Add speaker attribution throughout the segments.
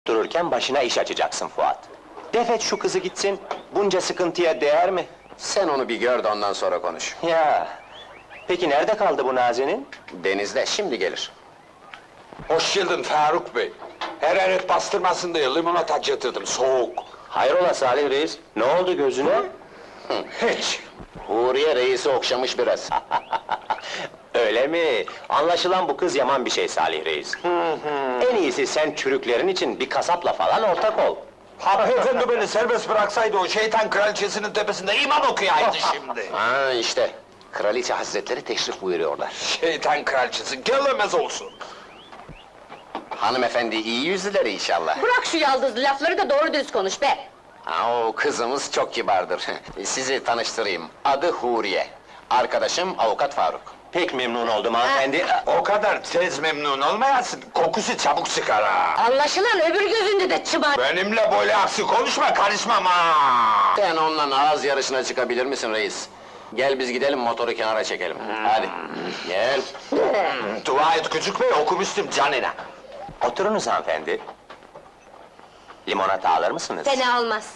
Speaker 1: dururken başına iş açacaksın Fuat. Defet şu kızı gitsin, bunca sıkıntıya değer mi?
Speaker 2: Sen onu bir gör de ondan sonra konuş.
Speaker 1: Ya, peki nerede kaldı bu Nazenin?
Speaker 2: Denizde, şimdi gelir.
Speaker 3: Hoş geldin Faruk Bey. Hararet bastırmasın diye limonata getirdim, soğuk.
Speaker 1: Hayrola Salih Reis, ne oldu gözüne?
Speaker 3: Hiç.
Speaker 2: Huriye reisi okşamış biraz.
Speaker 1: Öyle mi? Anlaşılan bu kız yaman bir şey Salih Reis. En iyisi sen çürüklerin için bir kasapla falan ortak ol.
Speaker 3: Hanımefendi beni serbest bıraksaydı o şeytan kraliçesinin tepesinde iman okuyaydı şimdi.
Speaker 2: Ha işte, kraliçe hazretleri teşrif buyuruyorlar.
Speaker 3: Şeytan kraliçesi gelemez olsun.
Speaker 2: Hanımefendi iyi yüzlüler inşallah.
Speaker 4: Bırak şu yaldız lafları da doğru düz konuş be!
Speaker 2: Ha, o kızımız çok kibardır. Sizi tanıştırayım, adı Huriye. Arkadaşım avukat Faruk.
Speaker 1: Pek memnun oldum hanımefendi.
Speaker 3: O kadar tez memnun olmayasın, kokusu çabuk çıkar ha.
Speaker 4: Anlaşılan öbür gözünde de çıbar!
Speaker 3: Benimle böyle aksi konuşma, karışmam ha!
Speaker 2: Sen onunla ağız yarışına çıkabilir misin reis? Gel biz gidelim, motoru kenara çekelim. Hadi, gel.
Speaker 3: Dua et küçük bey, okumuştum canına.
Speaker 1: Oturunuz hanımefendi. Limonata alır mısınız?
Speaker 4: Seni almaz!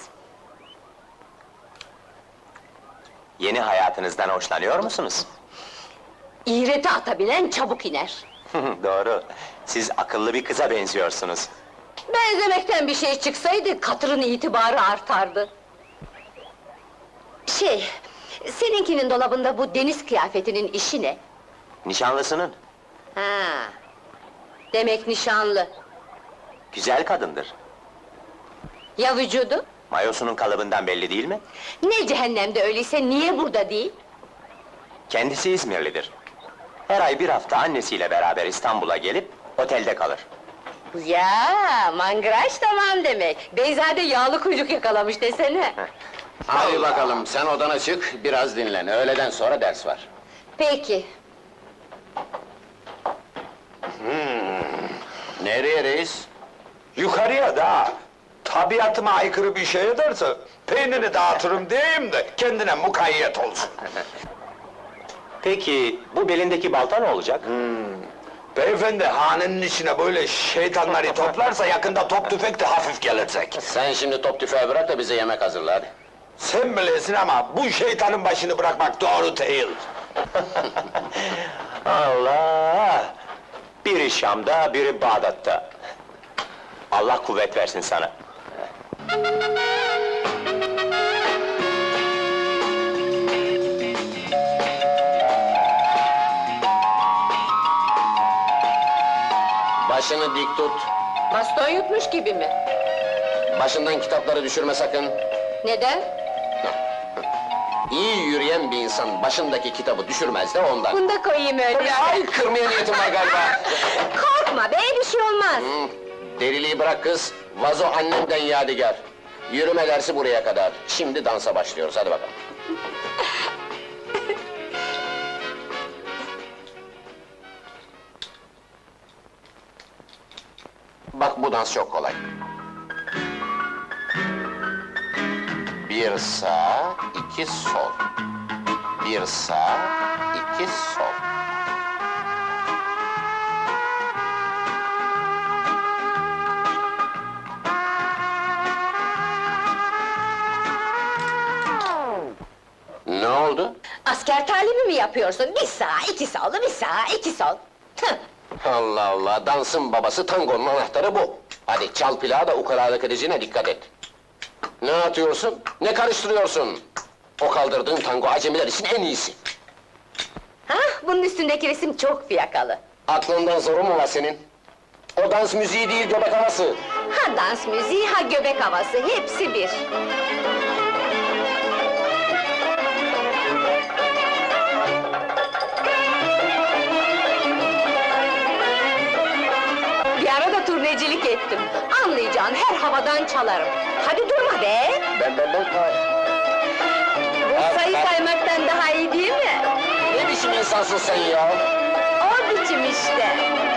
Speaker 1: Yeni hayatınızdan hoşlanıyor musunuz?
Speaker 4: İğreti atabilen çabuk iner!
Speaker 1: Doğru, siz akıllı bir kıza benziyorsunuz.
Speaker 4: Benzemekten bir şey çıksaydı, katırın itibarı artardı! Seninkinin dolabında bu deniz kıyafetinin işi ne?
Speaker 1: Nişanlısının,
Speaker 4: Ha, demek nişanlı!
Speaker 1: güzel kadındır.
Speaker 4: Ya vücudu?
Speaker 1: Mayosunun kalıbından belli değil mi?
Speaker 4: Ne cehennemde öyleyse, niye burada değil?
Speaker 1: Kendisi İzmirlidir. Her ay bir hafta annesiyle beraber İstanbul'a gelip otelde kalır.
Speaker 4: Ya, mangraj tamam demek! Beyzade yağlı kuyruk yakalamış desene!
Speaker 2: Hadi bakalım, sen odana çık, biraz dinlen. Öğleden sonra ders var.
Speaker 4: Peki!
Speaker 2: Nereye reis?
Speaker 3: Yukarıya da, tabiatıma aykırı bir şey ederse, peynirini dağıtırım diyeyim de, kendine mukayyet olsun.
Speaker 1: Peki, bu belindeki balta ne olacak?
Speaker 3: Beyefendi, hanenin içine böyle şeytanları toplarsa, yakında top tüfek de hafif gelecek.
Speaker 2: Sen şimdi top tüfeği bırak da bize yemek hazırla hadi.
Speaker 3: Sen bilirsin ama, bu şeytanın başını bırakmak doğru değil.
Speaker 1: Allah! Biri Şam'da, biri Bağdat'ta. Allah kuvvet versin sana.
Speaker 2: Başını dik tut,
Speaker 4: Baston yutmuş gibi mi?
Speaker 2: başından kitapları düşürme sakın.
Speaker 4: Neden?
Speaker 2: İyi yürüyen bir insan başındaki kitabı düşürmez de ondan.
Speaker 4: Bunu da koyayım öyle!
Speaker 2: Ay, kırmaya niyetim var galiba.
Speaker 4: Korkma be, bir şey olmaz!
Speaker 2: Deliliği bırak kız, vazo annemden yadigar. Yürüme dersi buraya kadar, şimdi dansa başlıyoruz, hadi bakalım. Bak bu dans çok kolay. Bir sağ, iki sol. Bir sağ, iki sol. Ne oldu?
Speaker 4: Asker talimi mi yapıyorsun? Bir sağ, iki sol, bir sağ, iki sol! Hıh!
Speaker 2: Allah Allah, dansın babası, tangonun anahtarı bu. Hadi çal plağı da ukalalık edeceğine dikkat et. Ne atıyorsun? Ne karıştırıyorsun? O kaldırdığın tango acemiler için en iyisi.
Speaker 4: Hah, bunun üstündeki resim çok fiyakalı!
Speaker 2: Aklından zoru mu var senin? O dans müziği değil, göbek havası.
Speaker 4: Ha dans müziği, ha göbek havası, hepsi bir! Bir ara da turnecilik ettim. Anlayacağın her havadan çalarım. Hadi durma be!
Speaker 2: Ben.
Speaker 4: Bu sayı saymaktan daha iyi değil mi?
Speaker 2: Ne biçim insansın sen ya?
Speaker 4: O biçim işte!